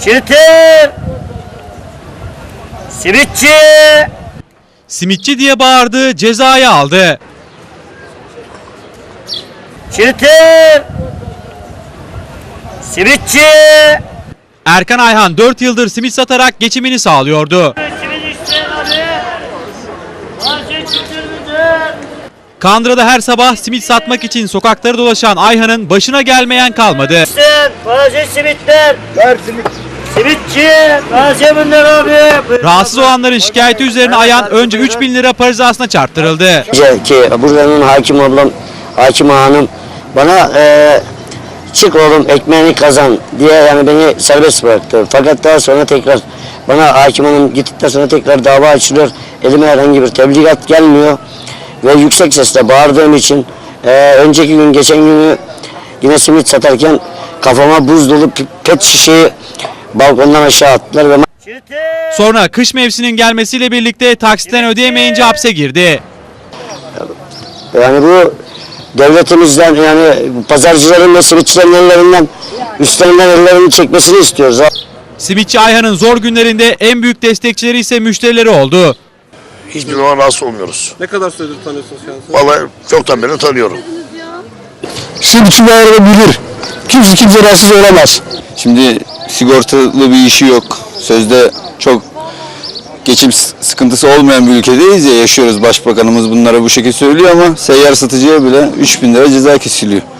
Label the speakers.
Speaker 1: Çitir! Simitçi!
Speaker 2: Simitçi diye bağırdı, cezayı aldı.
Speaker 1: Çitir! Simitçi!
Speaker 2: Erkan Ayhan 4 yıldır simit satarak geçimini sağlıyordu.
Speaker 1: Simit isteyen abi! Market çitirmidir!
Speaker 2: Kandıra'da her sabah simit satmak için sokakları dolaşan Ayhan'ın başına gelmeyen kalmadı.
Speaker 1: İsteyen taze simitler! Ver simit! Simitçi! Taze bunlar abi!
Speaker 2: Rahatsız olanların şikayeti üzerine Ayhan önce 3.000 lira para cezasına çarptırıldı.
Speaker 3: Ki buranın hakim ablam, hakim hanım bana çık oğlum ekmeğini kazan diye yani beni serbest bıraktı. Fakat daha sonra tekrar bana hakim hanım gittikten sonra tekrar dava açılıyor. Elime herhangi bir tebligat gelmiyor. Ve yüksek sesle bağırdığım için önceki gün geçen günü yine simit satarken kafama buz dolu pet şişeyi balkondan aşağı attılar ve
Speaker 2: Sonra kış mevsiminin gelmesiyle birlikte taksitten ödeyemeyince hapse girdi.
Speaker 3: yani bu devletimizden yani pazarcıların ve simitçilerin ellerinden üstlerinden ellerini çekmesini istiyoruz.
Speaker 2: Simitçi Ayhan'ın zor günlerinde en büyük destekçileri ise müşterileri oldu.
Speaker 4: Hiçbir zaman rahatsız olmuyoruz.
Speaker 5: Ne kadar süredir tanıyorsunuz kendisini?
Speaker 4: Vallahi çoktan beri tanıyorum.
Speaker 3: Simitçi bilir. Kimse rahatsız olamaz.
Speaker 6: Şimdi sigortalı bir işi yok. Sözde çok geçim sıkıntısı olmayan bir ülkedeyiz ya, yaşıyoruz. Başbakanımız bunlara bu şekilde söylüyor ama seyyar satıcıya bile 3.000 lira ceza kesiliyor.